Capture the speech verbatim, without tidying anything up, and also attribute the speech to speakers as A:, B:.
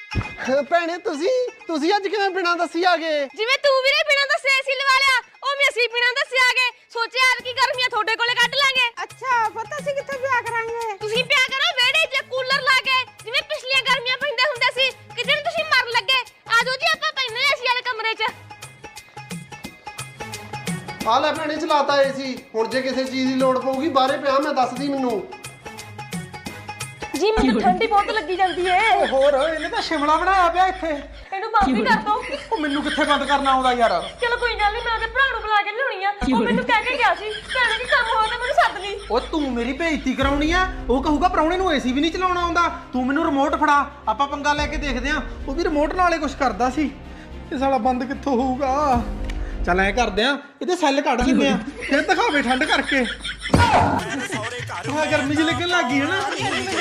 A: ਭੈਣੇ ਤੁਸੀਂ ਤੁਸੀਂ ਅੱਜ ਕਿਵੇਂ ਬਿਨਾਂ ਦੱਸੀ ਆ ਗਏ?
B: ਜਿਵੇਂ ਤੂੰ ਵੀਰੇ ਬਿਨਾਂ ਦੱਸੇ ਏਸੀ ਲਵਾ ਲਿਆ, ਉਹ ਵੀ ਅਸੀਂ ਬਿਨਾਂ ਦੱਸੇ ਆ ਗਏ। ਸੋਚਿਆ ਯਾਰ ਕੀ ਗਰਮੀਆਂ ਤੁਹਾਡੇ ਕੋਲੇ ਕੱਢ ਲਾਂਗੇ।
C: ਅੱਛਾ ਪਤਾ ਸੀ ਕਿੱਥੇ ਵਿਆਹ ਕਰਾਂਗੇ।
B: ਤੁਸੀਂ ਪਿਆ ਕਰੋ ਵਿਹੜੇ 'ਚ ਕੂਲਰ ਲਾ ਕੇ, ਜਿਵੇਂ ਪਿਛਲੀਆਂ ਗਰਮੀਆਂ ਪੈਂਦੇ ਹੁੰਦੇ ਸੀ। ਕਿਤੇ ਨੂੰ ਤੁਸੀਂ ਮਰਨ ਲੱਗੇ। ਆ ਜਾਓ ਜੀ ਆਪਾਂ ਪੈਨੇ ਏਸੀ ਵਾਲੇ ਕਮਰੇ 'ਚ।
A: ਆ ਲੈ ਭੈਣੇ ਚਲਾਤਾ ਏਸੀ। ਹੁਣ ਜੇ ਕਿਸੇ ਚੀਜ਼ ਦੀ ਲੋੜ ਪਊਗੀ ਬਾਹਰੇ ਪਿਆ ਮੈਂ ਦੱਸਦੀ ਮੈਨੂੰ।
B: ਜੀ ਮੈਨੂੰ ਠੰਡੀ ਬਹੁਤ ਲੱਗੀ ਜਾਂਦੀ ਏ।
D: ਹੋਰ ਇਹਨੇ ਤਾਂ ਸ਼ਿਮਲਾ ਬਣਾਇਆ ਪਿਆ ਇੱਥੇ।
B: ਇਹਨੂੰ ਬੰਦ ਹੀ ਕਰ ਦੋ।
D: ਉਹ ਮੈਨੂੰ ਕਿੱਥੇ ਬੰਦ ਕਰਨਾ ਆਉਂਦਾ ਯਾਰ।
B: ਚਲੋ ਕੋਈ ਗੱਲ ਨਹੀਂ, ਮੈਂ ਉਹਦੇ ਭਰਾ ਨੂੰ ਬੁਲਾ ਕੇ ਲਿਆਉਣੀ ਆ। ਉਹ ਮੈਨੂੰ ਕਹਿ ਕੇ ਗਿਆ ਸੀ ਭੈਣੇ ਕੀ ਕੰਮ ਹੋਇਆ ਤਾਂ ਮੈਨੂੰ ਸੱਦ ਲਈ।
D: ਉਹ ਤੂੰ ਮੇਰੀ ਬੇਇੱਜ਼ਤੀ ਕਰਾਉਣੀ ਆ। ਉਹ ਕਹੂਗਾ ਪ੍ਰਾਹੁਣੇ ਨੂੰ ਏਸੀ ਵੀ ਨਹੀਂ ਚਲਾਉਣਾ ਆਉਂਦਾ। ਤੂੰ ਮੈਨੂੰ ਰਿਮੋਟ ਫੜਾ, ਆਪਾਂ ਪੰਗਾ ਲੈ ਕੇ ਦੇਖਦੇ ਆਂ। ਉਹ ਵੀ ਰਿਮੋਟ ਨਾਲੇ ਕੁਝ ਕਰਦਾ ਸੀ। ਇਹ ਸਾਲਾ ਬੰਦ ਕਿੱਥੋਂ ਹੋਊਗਾ? ਚੱਲ ਐ ਕਰਦੇ ਆਂ, ਇਹਦੇ ਸੈੱਲ ਕੱਢ ਦਿੰਦੇ ਆਂ, ਫਿਰ ਦਿਖਾਵੇ ਠੰਡ ਕਰਕੇ। ਹਾਂ ਗਰਮੀ ਜਿਹੀ ਲੱਗਣ ਲੱਗ ਗਈ ਹੈ ਨਾ।